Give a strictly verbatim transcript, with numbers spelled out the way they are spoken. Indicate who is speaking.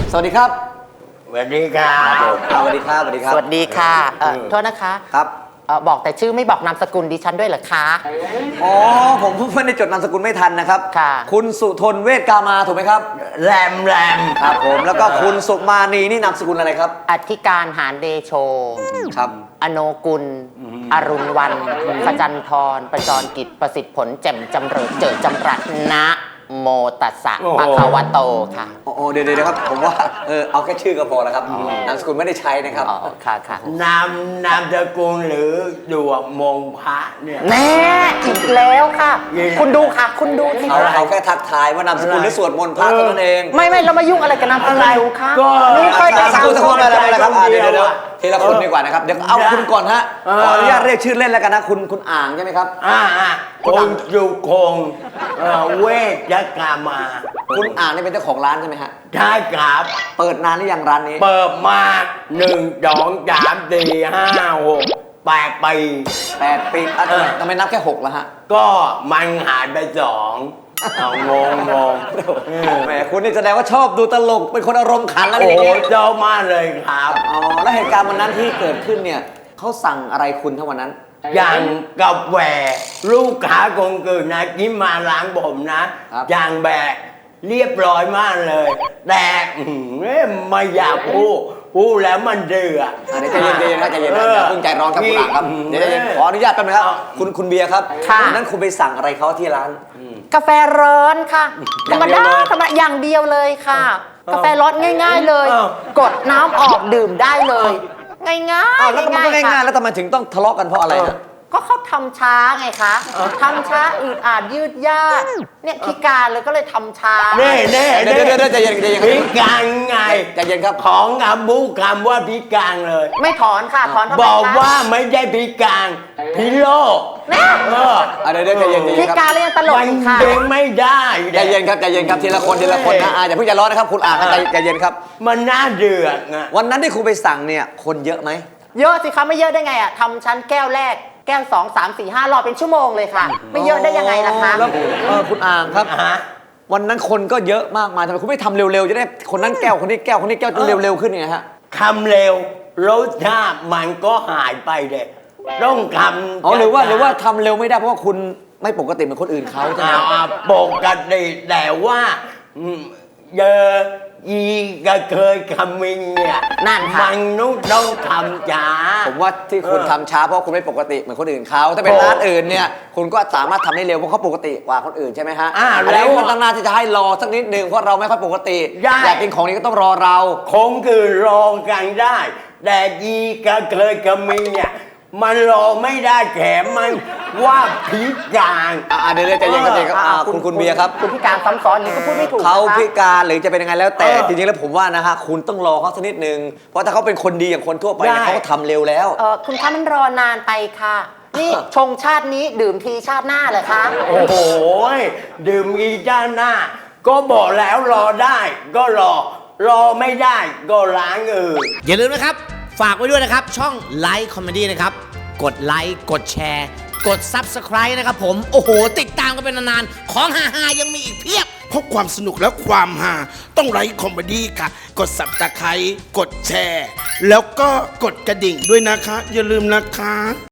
Speaker 1: สวัสดีครับ
Speaker 2: สวัสดีครับ
Speaker 1: สวัสดีครับสวัสดีครับ
Speaker 3: สวัสดีค่ะเอ่อโทษนะคะ
Speaker 1: ครับ
Speaker 3: เอ่อบอกแต่ชื่อไม่บอกนามสกุลดิฉันด้วยเหรอคะ
Speaker 1: อ๋อผมเพิ่งได้จดนามสกุลไม่ทันนะครับ
Speaker 3: ค่ะ
Speaker 1: คุณสุทนเวชกามาถูกไหมครับ
Speaker 2: แรมแรม
Speaker 1: ครับผมแล้วก็คุณสุมานีนี่นามสกุลอะไรครับ
Speaker 3: อธิการหารเดโช
Speaker 1: ครับ
Speaker 3: อโนกุล อรุณวันขจันทรประจรกิจประสิทธิ์ผลแจ่มจำเริญเจิดจำรัดนะโมตัสสะปะคะวะโตค่ะ
Speaker 1: โอ้โหเดี๋ยวเดี๋ยวครับผมว่าเออเอาแค่ชื่อก็พอแล้วครับนามสกุลไม่ได้ใช้นะครับ
Speaker 3: อ๋อค่ะค่ะ
Speaker 2: นามนามสกุลหรือดวงมงพระเนี่ย
Speaker 3: แน่อีกแล้วค่ะ
Speaker 2: ยังไง
Speaker 3: คุณดูค่ะ คุณดูสิ
Speaker 1: เอา
Speaker 3: คะ
Speaker 1: เอาแค่ทักทายว่านามสกุลหรือสวดมนต์พระเท่านั้นเอง
Speaker 3: ไม่ไม่เรามายุ่งอะไรกับนามสกุลดูค่ะ
Speaker 2: ก็
Speaker 3: นี่ค่อยจะ
Speaker 1: นามส
Speaker 3: สาว
Speaker 1: กุลสักคนอะไรอะไรครับอ่ะเดี๋ยวเดี๋ยวเดี๋ยวทีละคน
Speaker 2: เออ
Speaker 1: ดีกว่านะครับเดี๋ยวเอาคุณก่อนฮะ
Speaker 2: เออ
Speaker 1: ขออนุญาตเรียกชื่อเล่นแล้วกันนะคุณคุณอ่างใช่ไหมครับ
Speaker 2: อ่าอ่าคุณสุคงเอ่อเวชกามา
Speaker 1: คุณอ่างนี่เป็นเจ้าของร้านใช่ไหมฮะ
Speaker 2: ใช่ครับ
Speaker 1: เปิดนานหรือยังร้านนี้
Speaker 2: เปิดมาหนึ่งสองสามสี่ห้าหกแปดปี
Speaker 1: แปดปีอ่ะ
Speaker 2: เออ
Speaker 1: ทำไมนับแค่หกแล้วฮะ
Speaker 2: ก็มันหายไปสองเอางงงงเออ
Speaker 1: แหมคุณนี่แสดงว่าชอบดูตลกเป็นคนอารมณ์ขันแล้ว
Speaker 2: โอ้
Speaker 1: อย่าง
Speaker 2: โห
Speaker 1: นี้
Speaker 2: เจ้ามากเลยครับ
Speaker 1: อ๋อแล้วเหตุการณ์วันนั้นที่เกิดขึ้นเนี่ยเขาสั่งอะไรคุณทั้งวันนั้น
Speaker 2: อย่างกาแฟลูกค้าคงเกิดนะยิ้มมาล้างผมนะครับ อย่างแบบเรียบร้อยมากเลย แต่อื้อหือไม่อยากพูดพูดแล้วมันเดือด
Speaker 1: อ่ะเดี๋ยวใจเย็นใจเย็นครับใจเย็นนะอย่าเพิ่งใจร้อนครับคุณอ่างครับเดี๋ยวใจเย็นขออนุญาตแป๊บนึงครับคุณคุณเบียร์ครับวันนั้นคุณไปสั่งอะไรเขาที่ร้าน
Speaker 3: กาแฟร้อนค่ะธรรม
Speaker 1: อย่างเดี
Speaker 3: ดา
Speaker 1: ยวเลย
Speaker 3: ธรรมดาอย่างเดียวเลยค่ะ กาแฟร้อนง่าย ๆเลย
Speaker 2: อ้าว
Speaker 3: กดน้ำออกดื่มได้เลย ง่ายๆ
Speaker 1: อ้าวแล้วมันก็
Speaker 3: ๆ
Speaker 1: ง่าย
Speaker 3: ค่ะ
Speaker 1: ๆแล้วทำไมถึงต้องทะเลาะกันเพราะอะไรฮะ
Speaker 3: ก็เขาทำช้าไงคะทำช้าอืดอาดยืดยาดเนี่ยพิการเลยก็เลยทำช้า
Speaker 2: เน่เน่
Speaker 1: เดี๋ยวเดี๋ยวเดี๋ยวใจเย็นใจเย็น
Speaker 2: พิการไง
Speaker 1: ใจเย็นครับ
Speaker 2: ของคำบูคำว่าพิการเลย
Speaker 3: ไม่ถอนค่ะถอนทำไม
Speaker 2: บอก
Speaker 3: คะ
Speaker 2: ว่าไม่ใช่พิการพิโรค
Speaker 3: เนี่ย
Speaker 2: เออ
Speaker 1: อ่ะเดี๋ยวเดี๋ยวใจเย็นใจ
Speaker 3: พิ
Speaker 1: เย็นครับ
Speaker 3: การเลยยังตลก
Speaker 2: มัน
Speaker 3: อีกค่ะ
Speaker 2: เด้งไม่ได้
Speaker 1: ใจเย็นครับใจเย็นครับทีละคนทีละคนนะอ่ะอย่าเพิ่งใจร้อนนะครับคุณอ่างครับใจใจเย็นครับ
Speaker 2: มันน่าเดือดนะ
Speaker 1: วันนั้นที่คุณไปสั่งเนี่ยคนเยอะไหม
Speaker 3: เยอะสิคะไม่เยอะได้ไงอ่ะทำชั้นแก้วแรกแก้วสองสามสี่ห้ารอเป็นชั่วโมงเลยค่ะ ไม่เยอะได้ยังไงล่ะคะ
Speaker 1: แล้วเออคุณอ่างครับ
Speaker 2: ฮะ
Speaker 1: วันนั้นคนก็เยอะมากมายทำไมคุณไม่ทำเร็วๆจะได้คนนั้นแก้วคนนี้แก้วคนนี้แก้วจนเร็วๆขึ้นไงฮะ
Speaker 2: คำเร็วรสชาติมันก็หายไปเด็ต้องคำ
Speaker 1: อ๋อหรือว่าหรือว่าทำเร็วไม่ได้เพราะว่าคุณไม่ปกติเหมือนคนอื่นเขาใช่ไหม
Speaker 2: อ่าปกติแต่ว่าอืมเจออีกระเคยคำมิงเนี่ย
Speaker 3: นั่นค่ะ
Speaker 2: มันนุต้องทำจ้า
Speaker 1: ผมว่าที่คุณทำช้าเพราะคุณไม่ปกติเหมือนคนอื่นเขาถ้าเป็นร้านอื่นเนี่ยคุณก็สามารถทำได้เร็วเพราะเขาปกติกว่าคนอื่นใช่ไหมฮะ
Speaker 2: อ่า
Speaker 1: อัน
Speaker 2: แล้
Speaker 1: นี้
Speaker 2: ว
Speaker 1: มันตั้งหน้าที่จะให้รอสักนิดหนึ่งเพราะเราไม่ค่อยปกติ
Speaker 2: ได้
Speaker 1: อยากกินของนี้ก็ต้องรอเรา
Speaker 2: คงคือรอกันได้ แต่อีกระเคยคำมิงเนี่ยมันรอไม่ได้แถมมันว่าพิการ
Speaker 1: อ่าเดี๋ยวๆใจเย็นๆใจเย็นครับอ่าคุณคุณเบียร์ครับ
Speaker 3: คุณพิการซ้ำซ้อนนี่ก็พูดไม่ถูก
Speaker 1: เขา
Speaker 3: นะคะ
Speaker 1: พิการหรือจะเป็นยังไงแล้วแต่
Speaker 2: เออ
Speaker 1: จริงๆแล้วผมว่านะฮะคุณต้องรอเขาสักนิดนึงเพราะถ้าเขาเป็นคนดีอย่างคนทั่วไปเนี่ย
Speaker 2: ได้
Speaker 1: เขาก็ทำเร็วแล้ว
Speaker 3: เออคุณคะมันรอนานไปค่ะ นี่ชงชาตินี้ดื่มทีชาติหน้าเลยคะ
Speaker 2: โอ้โหดื่มอีจ้าหน้า ก็บอกแล้วรอได้ ก็รอ รอไม่ได้ก็ล้างอื่น
Speaker 4: อย่าลืมนะครับ ฝากไว้ด้วยนะครับ ช่องไลค์คอมเมดี้นะครับ กดไลค์กดแชร์ กด Subscribe นะครับผม โอ้โห ติดตามกันเป็นนานๆ ของฮาๆยังมีอีกเพียบ
Speaker 5: เพราะความสนุกและความฮาต้องไลค์คอมเมดี้ค่ะ กดสับตะไคร้กดแชร์ แล้วก็กดกระดิ่งด้วยนะคะ อย่าลืมนะคะ